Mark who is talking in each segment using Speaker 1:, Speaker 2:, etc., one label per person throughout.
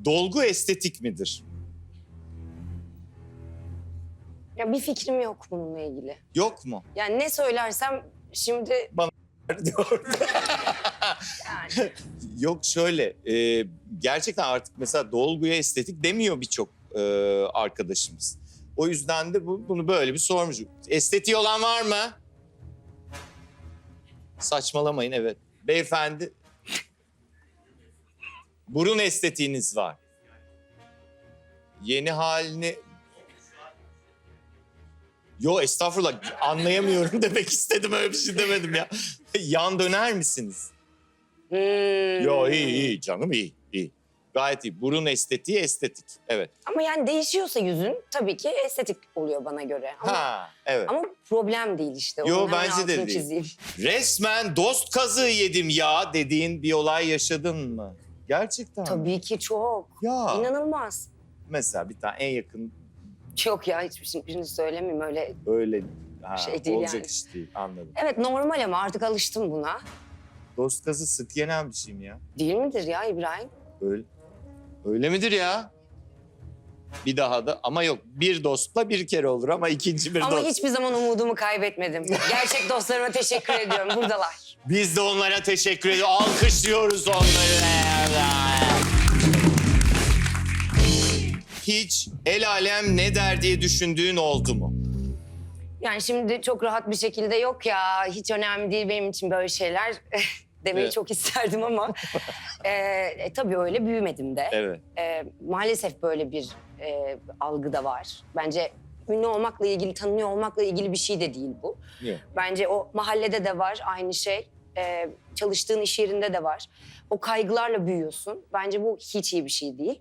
Speaker 1: Dolgu estetik midir?
Speaker 2: Ya bir fikrim yok bununla ilgili.
Speaker 1: Yok mu?
Speaker 2: Yani ne söylersem şimdi
Speaker 1: Diyor.
Speaker 2: yani
Speaker 1: Yok şöyle, gerçekten artık mesela dolguya estetik demiyor birçok arkadaşımız. O yüzden de bunu böyle bir sormuş. Estetiği olan var mı? Saçmalamayın, evet. Beyefendi, burun estetiğiniz var. Yeni halini... Yo estağfurullah, anlayamıyorum demek istedim, öyle bir şey demedim ya. Yan döner misiniz? Yo iyi canım, iyi. Gayet iyi. Burun estetiği estetik, evet.
Speaker 2: ama yani değişiyorsa yüzün tabii ki estetik oluyor bana göre.
Speaker 1: Ha, evet.
Speaker 2: Ama problem değil işte.
Speaker 1: Yo,
Speaker 2: Onun hemen
Speaker 1: bence de
Speaker 2: altını
Speaker 1: değil.
Speaker 2: çizeyim.
Speaker 1: Resmen dost kazığı yedim ya dediğin bir olay yaşadın mı? Gerçekten mi?
Speaker 2: Tabii ki çok.
Speaker 1: Ya.
Speaker 2: İnanılmaz.
Speaker 1: Mesela bir tane en yakın
Speaker 2: Yok ya hiçbirini söylemeyeyim öyle.
Speaker 1: öyle
Speaker 2: Şey değil
Speaker 1: olacak
Speaker 2: yani.
Speaker 1: iş değil, anladım.
Speaker 2: Evet normal ama artık alıştım buna.
Speaker 1: Dost kazığı sık yenen bir şey mi ya?
Speaker 2: Değil midir ya İbrahim?
Speaker 1: Öyle midir ya? Bir daha da ama yok, bir dostla bir kere olur ama ikinci bir
Speaker 2: Ama
Speaker 1: dost.
Speaker 2: hiçbir zaman umudumu kaybetmedim. Gerçek dostlarıma teşekkür ediyorum. Buradalar.
Speaker 1: Biz de onlara teşekkür ediyoruz. Alkışlıyoruz onları. Hiç el alem ne der diye düşündüğün oldu mu?
Speaker 2: Yani şimdi çok rahat bir şekilde yok ya hiç önemli değil benim için böyle şeyler demeyi
Speaker 1: Evet.
Speaker 2: çok isterdim ama tabii öyle büyümedim de.
Speaker 1: Evet.
Speaker 2: Maalesef böyle bir algı da var. Bence ünlü olmakla ilgili, tanınıyor olmakla ilgili bir şey de değil bu.
Speaker 1: Yok.
Speaker 2: Bence o mahallede de var aynı şey. Çalıştığın iş yerinde de var. O kaygılarla büyüyorsun. Bence bu hiç iyi bir şey değil.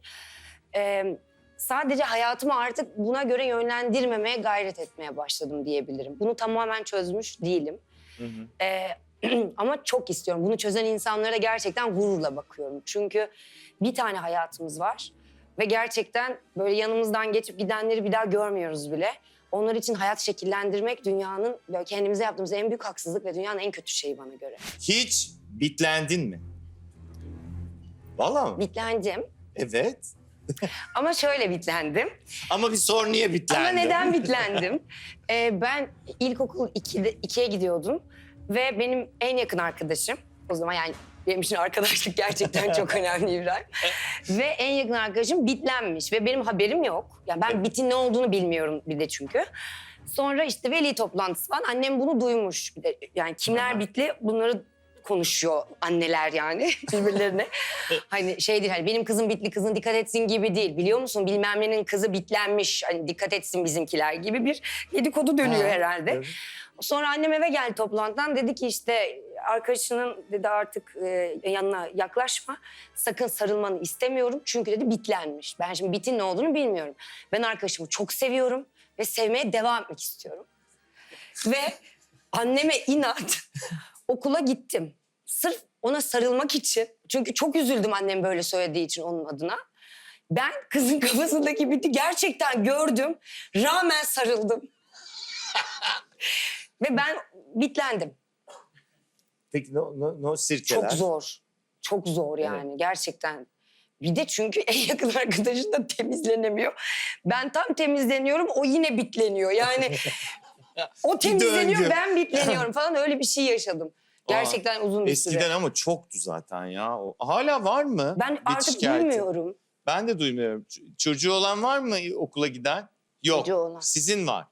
Speaker 2: Sadece hayatımı artık buna göre yönlendirmemeye gayret etmeye başladım diyebilirim. Bunu tamamen çözmüş değilim.
Speaker 1: Hı hı.
Speaker 2: Ama çok istiyorum. Bunu çözen insanlara gerçekten gururla bakıyorum. Çünkü bir tane hayatımız var. Ve gerçekten böyle yanımızdan geçip gidenleri bir daha görmüyoruz bile. Onlar için hayat şekillendirmek dünyanın, böyle kendimize yaptığımız en büyük haksızlık ve dünyanın en kötü şeyi bana göre.
Speaker 1: Hiç bitlendin mi? Vallahi mi?
Speaker 2: Bitlendim.
Speaker 1: Evet.
Speaker 2: Ama şöyle bitlendim.
Speaker 1: Ama bir sor, niye bitlendin?
Speaker 2: Ama neden bitlendim? Ben ilkokul 2'ye gidiyordum. Ve benim en yakın arkadaşım, o zaman yani benim için arkadaşlık gerçekten çok önemli İbrahim. Ve en yakın arkadaşım bitlenmiş ve benim haberim yok. Yani ben bitin ne olduğunu bilmiyorum bir de çünkü. Sonra işte veli toplantısı falan, annem bunu duymuş. Bir de yani kimler bitli bunları konuşuyor anneler yani birbirlerine. Hani şey değil, hani benim kızım bitli, kızın dikkat etsin gibi değil. Biliyor musun bilmem nenin kızı bitlenmiş, hani dikkat etsin bizimkiler gibi bir dedikodu dönüyor herhalde.
Speaker 1: Evet.
Speaker 2: Sonra annem eve geldi toplantıdan, dedi ki işte arkadaşının dedi artık yanına yaklaşma. Sakın sarılmanı istemiyorum çünkü dedi bitlenmiş. Ben şimdi bitin ne olduğunu bilmiyorum. Ben arkadaşımı çok seviyorum ve sevmeye devam etmek istiyorum. Ve anneme inat okula gittim. Sırf ona sarılmak için. Çünkü çok üzüldüm annem böyle söylediği için onun adına. Ben kızın kafasındaki biti gerçekten gördüm. Rağmen sarıldım. Ve ben bitlendim.
Speaker 1: Peki no sirkeler?
Speaker 2: Çok zor. Çok zor yani gerçekten. Bir de çünkü en yakın arkadaşın da temizlenemiyor. Ben tam temizleniyorum, o yine bitleniyor. Yani o temizleniyor,
Speaker 1: döngü.
Speaker 2: ben bitleniyorum falan, öyle bir şey yaşadım. Gerçekten uzun bir süre.
Speaker 1: Eskiden ama çoktu zaten ya. Hala var mı?
Speaker 2: Ben
Speaker 1: bit
Speaker 2: artık
Speaker 1: şikayeti?
Speaker 2: bilmiyorum.
Speaker 1: Ben de duymuyorum. Çocuğu olan var mı okula giden? Yok.
Speaker 2: Çocuğu olan.
Speaker 1: Sizin var.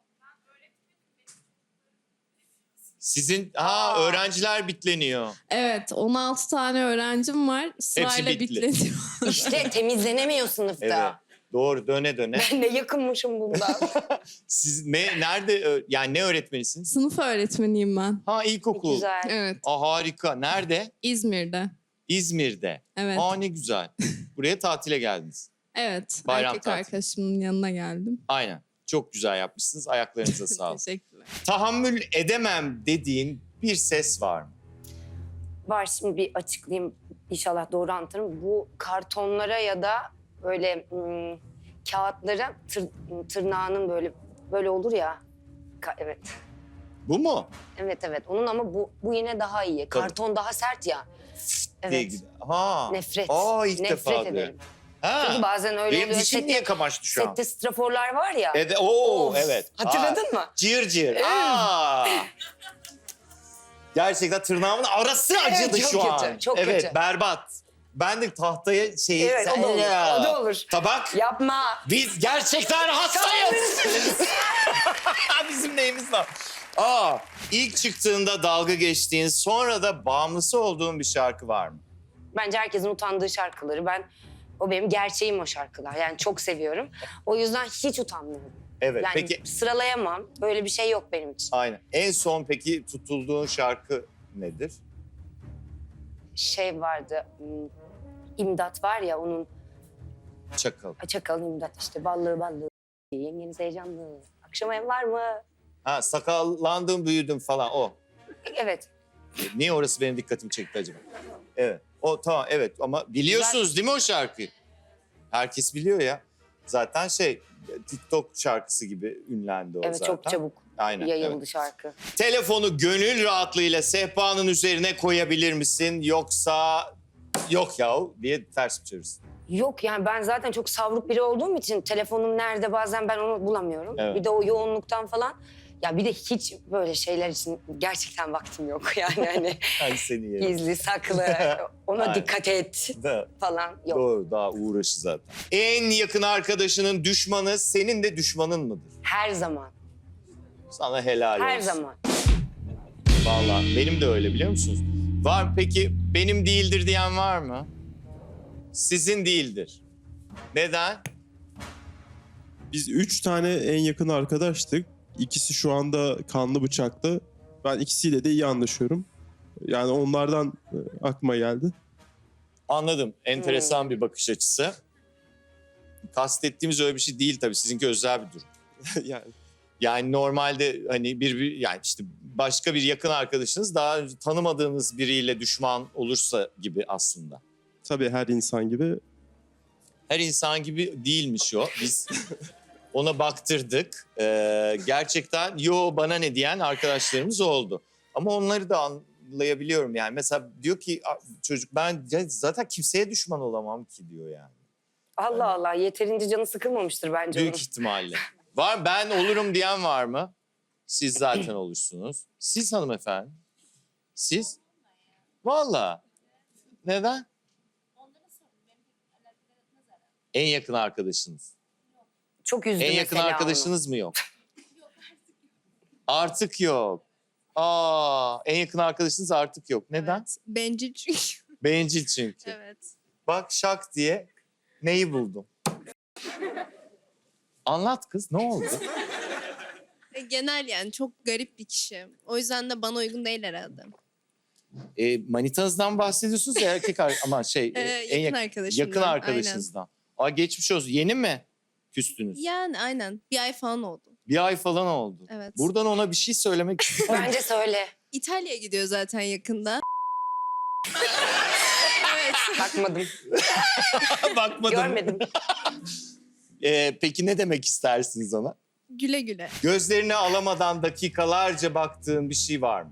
Speaker 1: Sizin öğrenciler bitleniyor.
Speaker 3: Evet, 16 tane öğrencim var. Sırayla
Speaker 1: bitli.
Speaker 3: bitleniyor.
Speaker 2: İşte temizlenemiyor sınıfta.
Speaker 1: Evet. Doğru, döne döne.
Speaker 2: Ben ne yakınmışım bundan.
Speaker 1: Siz nerede, yani ne öğretmenisiniz?
Speaker 3: Sınıf öğretmeniyim ben.
Speaker 1: Ha, ilkokul.
Speaker 2: Güzel.
Speaker 3: Evet,
Speaker 1: Harika. Nerede?
Speaker 3: İzmir'de.
Speaker 1: İzmir'de.
Speaker 3: Evet.
Speaker 1: Ne güzel. Buraya tatile geldiniz.
Speaker 3: Evet,
Speaker 1: Bayram
Speaker 3: erkek
Speaker 1: tatili.
Speaker 3: arkadaşımın yanına geldim.
Speaker 1: Aynen. Çok güzel yapmışsınız. Ayaklarınıza sağlık.
Speaker 3: Teşekkürler.
Speaker 1: Tahammül edemem dediğin bir ses var mı?
Speaker 2: Var, şimdi bir açıklayayım. İnşallah doğru anlatırım. Bu kartonlara ya da böyle kağıtlara tırnağının böyle olur ya. Evet.
Speaker 1: Bu mu?
Speaker 2: Evet. Onun ama bu yine daha iyi.
Speaker 1: Tabii.
Speaker 2: Karton daha sert ya.
Speaker 1: Diye
Speaker 2: Evet.
Speaker 1: gider. Ha.
Speaker 2: Nefret.
Speaker 1: İlk
Speaker 2: Nefret
Speaker 1: defa
Speaker 2: ederim.
Speaker 1: Ha.
Speaker 2: Çünkü bazen öyle
Speaker 1: Benim
Speaker 2: oluyor.
Speaker 1: dişim niye kamaştı şu an?
Speaker 2: Sette straforlar var ya. Of,
Speaker 1: Evet.
Speaker 2: hatırladın mı?
Speaker 1: Cır cır. Aa. Gerçekten tırnağımın arası acıdı
Speaker 2: çok
Speaker 1: şu
Speaker 2: kötü,
Speaker 1: an.
Speaker 2: çok
Speaker 1: evet,
Speaker 2: kötü.
Speaker 1: berbat. Ben de tahtaya şeyi...
Speaker 2: Evet, o da olur, o da olur.
Speaker 1: Tabak.
Speaker 2: Yapma.
Speaker 1: Biz gerçekten hastayız. Bizim neyimiz var? İlk çıktığında dalga geçtiğin, sonra da bağımlısı olduğun bir şarkı var mı?
Speaker 2: Bence herkesin utandığı şarkıları. O benim gerçeğim o şarkılar. Yani çok seviyorum. O yüzden hiç utanmıyorum.
Speaker 1: Evet,
Speaker 2: Yani
Speaker 1: peki
Speaker 2: sıralayamam. Böyle bir şey yok benim için.
Speaker 1: aynen. En son peki tutulduğun şarkı nedir?
Speaker 2: Şey vardı. İmdat var ya onun.
Speaker 1: Çakal.
Speaker 2: Çakal imdat işte. Ballı ballı. Yengeniz heyecanlı. Akşama ev var mı?
Speaker 1: Ha, sakallandım, büyüdüm falan o.
Speaker 2: Evet.
Speaker 1: Niye orası benim dikkatimi çekti acaba? Evet. O tamam, evet, ama biliyorsunuz değil mi o şarkıyı? Herkes biliyor ya. Zaten TikTok şarkısı gibi ünlendi o
Speaker 2: Evet
Speaker 1: zaten.
Speaker 2: çok çabuk
Speaker 1: Aynen,
Speaker 2: yayıldı
Speaker 1: evet.
Speaker 2: şarkı.
Speaker 1: Telefonu gönül rahatlığıyla sehpanın üzerine koyabilir misin? Yoksa yok yahu diye ters mi çevirirsin?
Speaker 2: Yok yani ben zaten çok savruk biri olduğum için telefonum nerede bazen ben onu bulamıyorum.
Speaker 1: Evet.
Speaker 2: Bir de o yoğunluktan falan. Ya bir de hiç böyle şeyler için gerçekten vaktim yok. Yani hani
Speaker 1: Ay seni yerim.
Speaker 2: gizli saklı ona
Speaker 1: Aynen.
Speaker 2: dikkat et
Speaker 1: Da,
Speaker 2: falan yok.
Speaker 1: doğru, daha uğraşı zaten. En yakın arkadaşının düşmanı senin de düşmanın mıdır?
Speaker 2: Her zaman.
Speaker 1: Sana helal
Speaker 2: Her
Speaker 1: olsun.
Speaker 2: zaman.
Speaker 1: Vallahi benim de öyle, biliyor musunuz? Var, peki benim değildir diyen var mı? Sizin değildir. Neden?
Speaker 4: Biz 3 tane en yakın arkadaştık. İkisi şu anda kanlı bıçakta. Ben ikisiyle de iyi anlaşıyorum. Yani onlardan aklıma geldi.
Speaker 1: Anladım. Enteresan bir bakış açısı. Kastettiğimiz öyle bir şey değil tabii. Sizinki özel bir durum.
Speaker 4: Yani
Speaker 1: Yani normalde hani yani işte başka bir yakın arkadaşınız daha önce tanımadığınız biriyle düşman olursa gibi aslında.
Speaker 4: tabii her insan gibi.
Speaker 1: Her insan gibi değilmiş o. Biz ona baktırdık. Gerçekten yo bana ne diyen arkadaşlarımız oldu. Ama onları da anlayabiliyorum yani. Mesela diyor ki çocuk ben zaten kimseye düşman olamam ki diyor yani.
Speaker 2: Allah Allah yeterince canı sıkılmamıştır bence
Speaker 1: Büyük
Speaker 2: onun.
Speaker 1: ihtimalle. Var, ben olurum diyen var mı? Siz zaten olursunuz. Siz hanımefendi? Siz? Vallahi. Neden? En yakın arkadaşınız.
Speaker 2: Çok üzdü
Speaker 1: En yakın
Speaker 2: mesela
Speaker 1: arkadaşınız mı yok? Artık yok. En yakın arkadaşınız artık yok. Neden?
Speaker 3: Evet, bencil çünkü.
Speaker 1: Bencil çünkü.
Speaker 3: Evet.
Speaker 1: Bak şak diye neyi buldum? Anlat kız, ne oldu?
Speaker 3: Genel yani çok garip bir kişi. O yüzden de bana uygun değil herhalde.
Speaker 1: Manitanızdan bahsediyorsunuz ya ama
Speaker 3: Yakın arkadaşımdan.
Speaker 1: yakın arkadaşınızdan. Geçmiş olsun. Yeni mi küstünüz?
Speaker 3: Yani aynen. Bir ay falan oldu.
Speaker 1: Bir ay falan oldu.
Speaker 3: Evet.
Speaker 1: Buradan ona bir şey söylemek istiyorum.
Speaker 2: Bence söyle.
Speaker 3: İtalya'ya gidiyor zaten yakında. Evet.
Speaker 2: Bakmadım.
Speaker 1: Bakmadım.
Speaker 2: Görmedim.
Speaker 1: Peki ne demek istersiniz ona?
Speaker 3: Güle güle.
Speaker 1: Gözlerini alamadan dakikalarca baktığın bir şey var mı?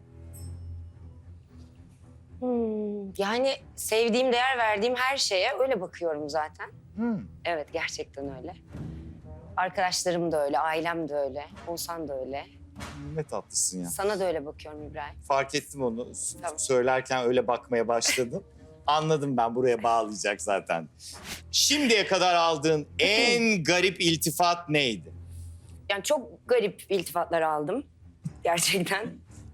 Speaker 2: Yani sevdiğim, değer verdiğim her şeye öyle bakıyorum zaten.
Speaker 1: Hmm.
Speaker 2: Evet, gerçekten öyle. Arkadaşlarım da öyle, ailem de öyle, Oğuzhan da öyle.
Speaker 1: Ne tatlısın ya.
Speaker 2: Sana da öyle bakıyorum İbrahim.
Speaker 1: Fark ettim onu.
Speaker 2: Tamam.
Speaker 1: Söylerken öyle bakmaya başladım. Anladım, ben buraya bağlayacak zaten. Şimdiye kadar aldığın en garip iltifat neydi?
Speaker 2: Yani çok garip iltifatlar aldım. Gerçekten.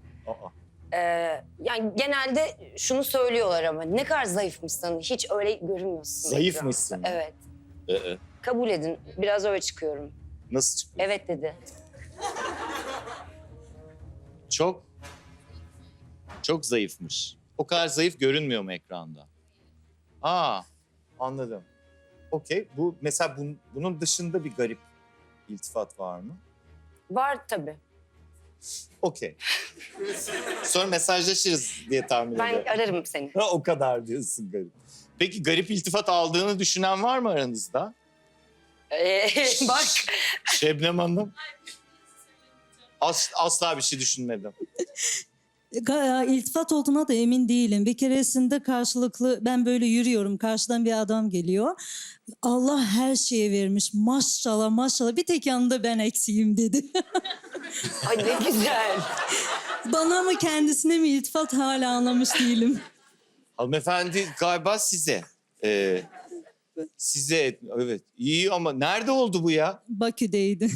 Speaker 2: Yani genelde şunu söylüyorlar ama ne kadar zayıfmışsın, hiç öyle görünmüyorsun.
Speaker 1: Zayıf
Speaker 2: ekranda.
Speaker 1: mısın?
Speaker 2: Evet.
Speaker 1: Ee,
Speaker 2: Kabul edin, biraz öyle çıkıyorum.
Speaker 1: Nasıl çıkıyor?
Speaker 2: Evet dedi.
Speaker 1: Çok zayıfmış. O kadar zayıf görünmüyor mu ekranda? Anladım. Okey. Bu mesela bunun dışında bir garip iltifat var mı?
Speaker 2: Var tabii.
Speaker 1: Okey. Sonra mesajlaşırız diye tahmin
Speaker 2: Ben
Speaker 1: ediyorum.
Speaker 2: ararım seni.
Speaker 1: O kadar diyorsun garip. Peki garip iltifat aldığını düşünen var mı aranızda?
Speaker 2: Bak.
Speaker 1: Şebnem Hanım. Asla bir şey düşünmedim.
Speaker 5: İltifat olduğuna da emin değilim. Bir keresinde karşılıklı ben böyle yürüyorum. Karşıdan bir adam geliyor. Allah her şeye vermiş. Maşallah maşallah. Bir tek yanında ben eksiğim dedi.
Speaker 2: Ay ne güzel.
Speaker 5: Bana mı kendisine mi iltifat hala anlamış değilim.
Speaker 1: Hanımefendi galiba size. Size evet. İyi ama nerede oldu bu ya?
Speaker 5: Bakü'deydi.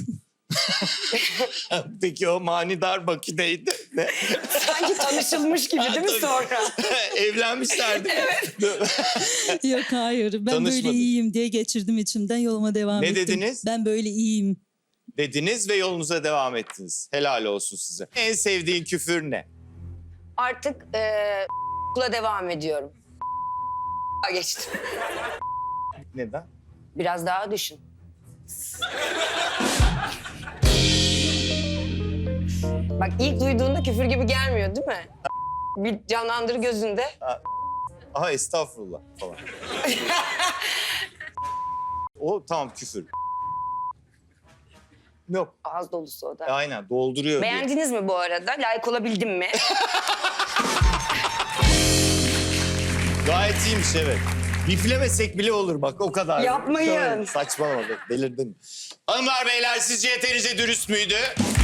Speaker 1: Peki o manidar Bakü'deydi. Ne?
Speaker 2: Sanki tanışılmış gibi değil mi
Speaker 1: Tabii.
Speaker 2: sonra?
Speaker 1: Evlenmişlerdi.
Speaker 5: Yok hayır. Ben böyle
Speaker 1: Tanışmadın.
Speaker 5: iyiyim diye geçirdim içimden. Yoluma devam
Speaker 1: Ne
Speaker 5: ettim.
Speaker 1: dediniz?
Speaker 5: Ben böyle iyiyim.
Speaker 1: Dediniz ve yolunuza devam ettiniz. Helal olsun size. En sevdiğin küfür ne?
Speaker 2: Artık okula devam ediyorum. Geçtim.
Speaker 1: Neden?
Speaker 2: Biraz daha düşün. Bak ilk duyduğunda küfür gibi gelmiyor değil mi? Bir canlandır gözünde.
Speaker 1: Aha estağfurullah falan. O tamam küfür. Yok.
Speaker 2: Ağız dolusu o da.
Speaker 1: Aynen dolduruyor. diye.
Speaker 2: Beğendiniz mi bu arada? Layık olabildim mi?
Speaker 1: Gayet iyiymiş evet. Biflemesek bile olur bak o kadar.
Speaker 2: Yapmayın.
Speaker 1: Saçmalama be, delirdin. Hanımlar beyler sizce yeterince dürüst müydü?